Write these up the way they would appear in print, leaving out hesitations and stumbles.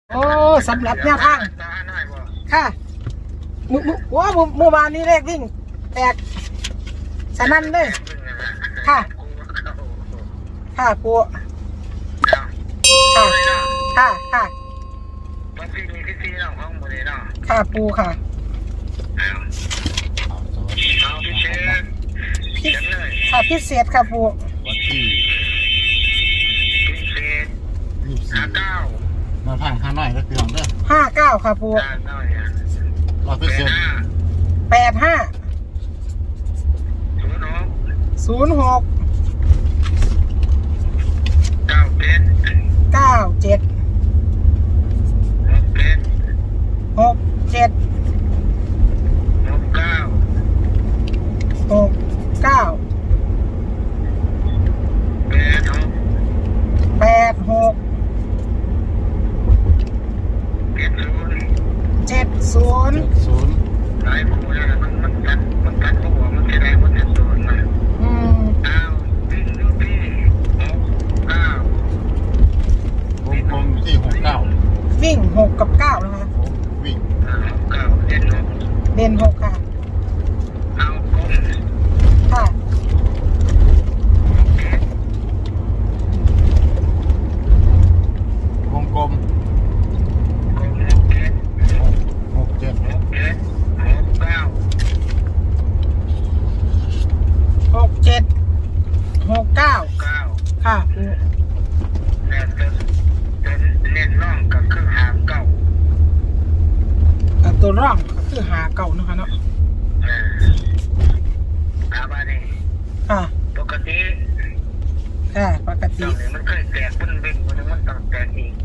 โอ้สำหรับแนวทางค่ะเมื่อวานนี้เลขวิ่งแตกสนั่นเลยค่ะค่ะปูค่ะค่ะค่ะค่ะปูค่ะค่ะพิเศษค่ะปูวันที่24มาผ่านข้างหน่อยก็คือของเด้อ 59ค่ะปู 100% 85 06 97 67 69 86 70 หลายคู่แล้วมันกัดคู่มันจะได้มันจะโดนมาวิ่งลูกพี่69วงกลมที่69 วิ่ง6กับ9นะคะวิ่ง69 เด่น6ค่ะเอากลมค่ะวงกลม 6769ค่ะเน้นร่องก็คือหาเก้าตัวร่องก็คือหาเก่านะคะเนาะบานี่ค่ะปกติค่ะปกติมันเคยแตกมันวิ่งมันต้องแตกอีก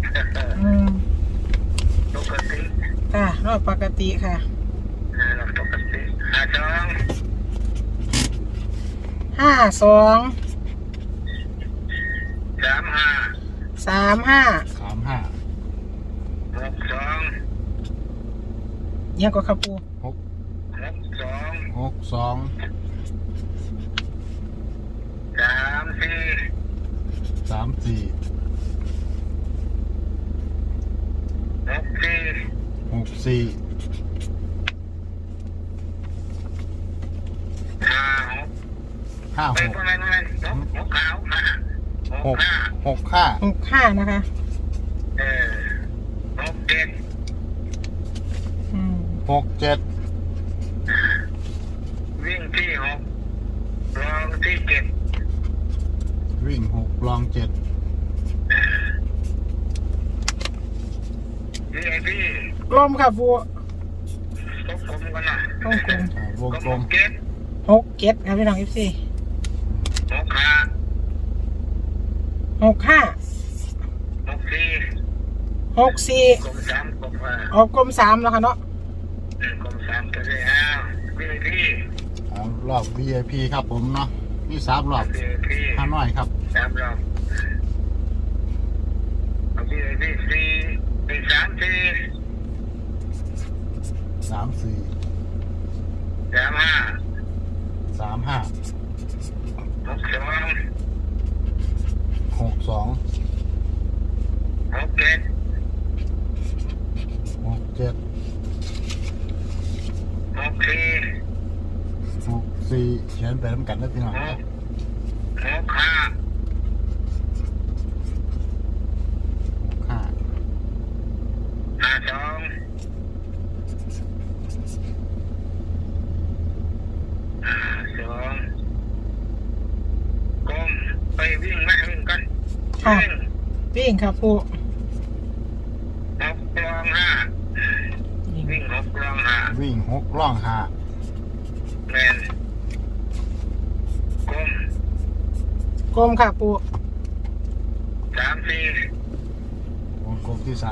ปกติค่ะรอบปกติค่ะรอบปกติ 52 35 เนี่ยก็ครับปู 62 65นะคะ 67วิ่งที่6รองที่7วิ่ง6รอง7 กลมค่ะปูวงกลมกันนะวงกลม 67ครับพี่น้อง14 65 64ออกกลม3แล้วค่ะเนาะกลม3ก็ได้VIP รอบ VIP ครับผมเนาะนี่3รอบข้างน้อยครับ3รอบVIP 64เขียนไปน้ำกันได้พี่น้องวิ่งกันค่ะวิ่งครับปู 6รอง5วิ่ง6รอง5แมนกลมค่ะปู 34วงกลมที่34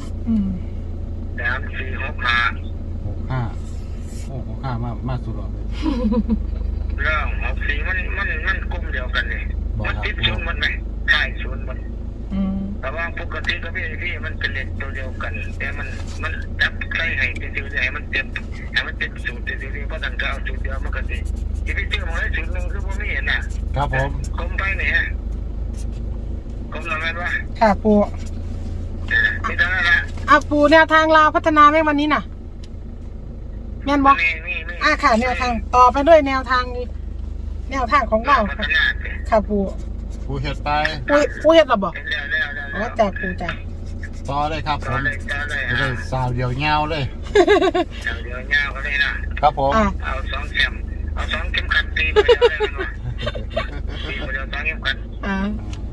65มาสุดหรอเรื่อง64มันกลมเดียวกันเลยมันติดชุนมันไหมใช่ชุนมันแต่ว่าปกติก็พี่มันเป็นเลนตัวเดียวกันแต่มันจับใส่ให้ติวๆให้มันเต็มสูตรติวๆเพราะตั้งแต่เอาสูตรเดียวมันก็ติที่พี่ซื้อมาได้สูตรนึงคือผมไม่เห็นนะครับผมกลมไปเนี่ยกลมแล้วแม่นวะค่ะปูไม่ต้องละเอาเอาปูแนวทางลาวพัฒนาไหมวันนี้น่ะแม่นบอกมีค่ะแนวทางต่อไปด้วยแนวทางของเราพัฒค่ะนาสิค่ะปูปูเห็ดไปปูเฮ็ดระบอกแล้วอ๋อจากปูจากต่อเลยครับผต่อมเลยจะได้สาวเดียวเงาเลยเดี๋ยวเงาก็เลยนะครับผมอ่ะเอา2เข็มขัดตีไปเดียวเลยมันว่าตีไปเดียว2เข็มขัดอ่า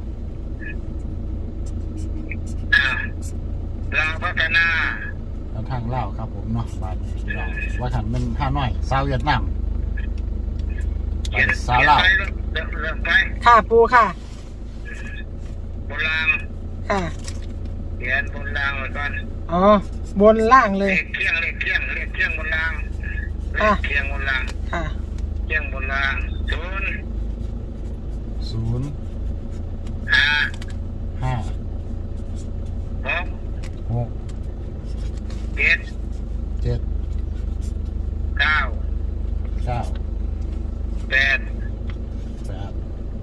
เราพัฒนาทางเล่าวครับผมเนาะบ้านเราว่าฉันเป็นห้าน้อยสาวเวียดนามเขียนสาวเล่าวไปเริ่มไปค่ะปูค่ะบนรางค่ะเขียนบนรางไว้ก่อนอ๋อบนล่างเลเลย ขเที่ยงบนรางเลค่ะขเที่ยงบนรางค่ะเที่ยงบนราง0 0 5 5 6 6 7 7 9 9 8 8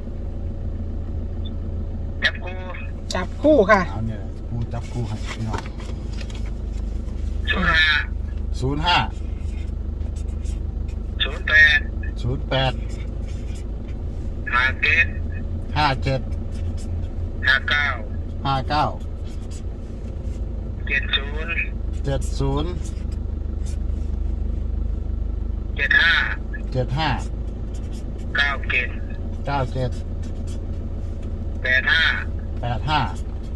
จับคู่จับคู่ค่ะเอาเนี่ยปูจับคู่ให้พี่น้อง 05 05 08 08 57 57 59 59 70 70 75 75 97 97 85 85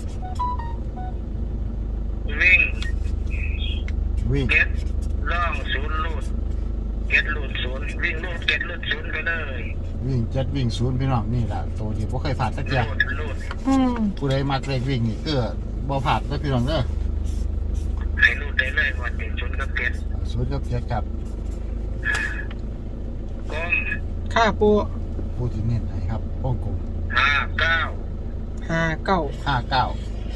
วิ่งวิ่งเก็ตล่อง0ลูดเก็ตลูด0วิ่งลูดเก็ตลูด0ไปเลยวิ่ง7วิ่ง0พี่น้องนี่แหละตัวที่บ่เคยผ่านสักอย่างลูดอืมผู้ใดมักเลขวิ่งนี่คือบ่ผ่านเด้อพี่น้องเด้อให้ลูดได้เลยวันเป็น0กับเก็ต 0กับ7กับกลมค่ะปูผู้ที่เน้นให้ครับวงกลม 59 59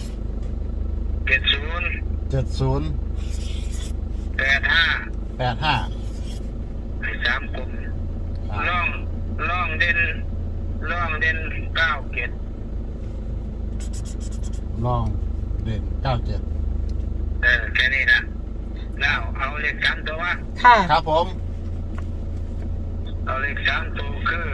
70 70 85 85 ให้3กลมล่องเด่น9เก็ตลองเด่น97 แค่นี้นะแล้วเอาเลข3ตัวว่าค่ะครับผมเอาเลข3ตัวคือ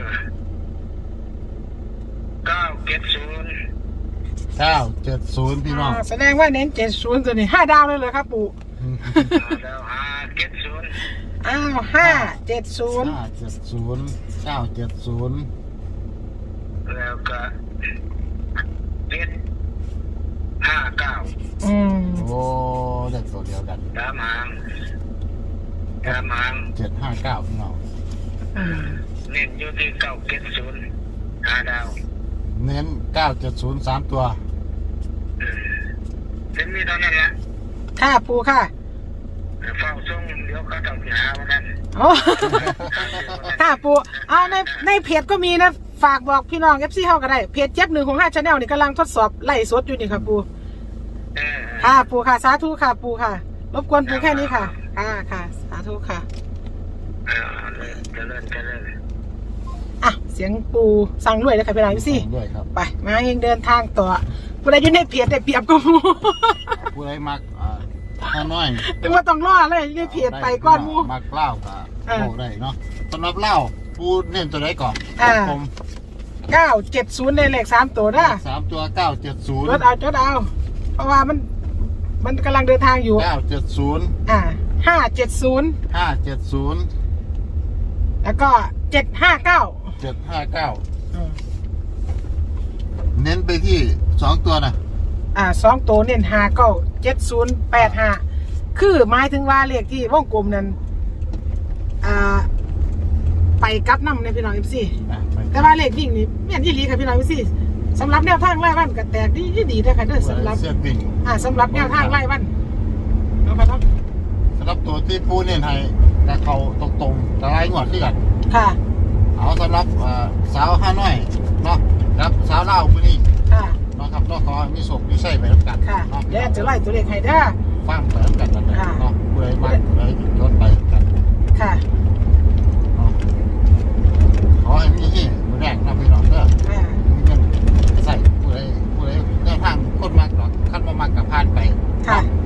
970 970พี่น้องแสดงว่าเน้น70ตัวนี้5ดาวเลยเหรอครับปูแล้ว570 อ้าว570 570 970 แล้วก็759 อืมโอ้เลขตัวเดียวกันตามหาง 759พี่น้องอืมเน้นอยู่ที่970 5ดาวเน้น970 3ตัวเป็นมีเท่านั้นละค่ะปูค่ะเฝ้าส่งเดี๋ยวเขาต้องไปหาว่ากันโอ้ค่ะปูเอาในเพจก็มีนะฝากบอกพี่น้องFCเฮาก็ได้เพจเจ็บ165 Channel นี่กำลังทดสอบไล่สดอยู่นี่ค่ะปูค่ะปูค่ะสาธุค่ะปูค่ะรบกวนปูแค่นี้ค่ะค่ะสาธุค่ะเจริญอ่ะเสียงปูสั่งด้วยเลยค่ะพี่น้องFC ด้วยครับไปมาเองเดินทางต่อผู้ใดอยู่ในเพจได้เปรียบก็มูผู้ใดมักห้าน้อยถึงว่าต้องรอเลยอยู่ในเพจไปก้อนหมูมักเล่าก็บอกได้เนาะสำหรับเล่าผู้เน้นตัวใดก่อนผม 970ในเลข3ตัวนะ 3ตัวจด 970 เอาเพราะว่ามันกำลังเดินทางอยู่ 970 570 570 แล้วก็759 759เน้นไปที่2ตัวนะ 2ตัวเน้น597085คือหมายถึงว่าเลขที่วงกลมนั้นไปกับน้ำในพี่น้องFC แต่ว่าเลขวิ่งนี่แม่นยี่หลีค่ะพี่น้องพี่สำหรับแนวทางไล่วันก็แตกดีๆนะคะเด้อสำหรับเสื้อวิ่งสำหรับแนวทางไล่วันเอาครับสำหรับตัวที่ผู้เน้นให้แต่เขาตรงๆแต่ไล่งวดที่กันค่ะเอาสำหรับสาวห้าน้อยเนาะครับสาวเล่ามือนี้ค่ะเนาะครับเนาะขอมีโศกมีไส้ไปแล้วกันค่ะเนาะเดี๋ยวจะไล่ตัวเลขให้เด้อฟังไปแล้วกันนั่นแหละค่ะเนาะผู้ใดมาผู้ใดจดไปกันค่ะเนาะขอให้มีที่มือแรกนะพี่น้องเด้อ มีเงินใส่ผู้ใดแนวทางคนมากหรอกขั้นมามากกับพานไปค่ะเ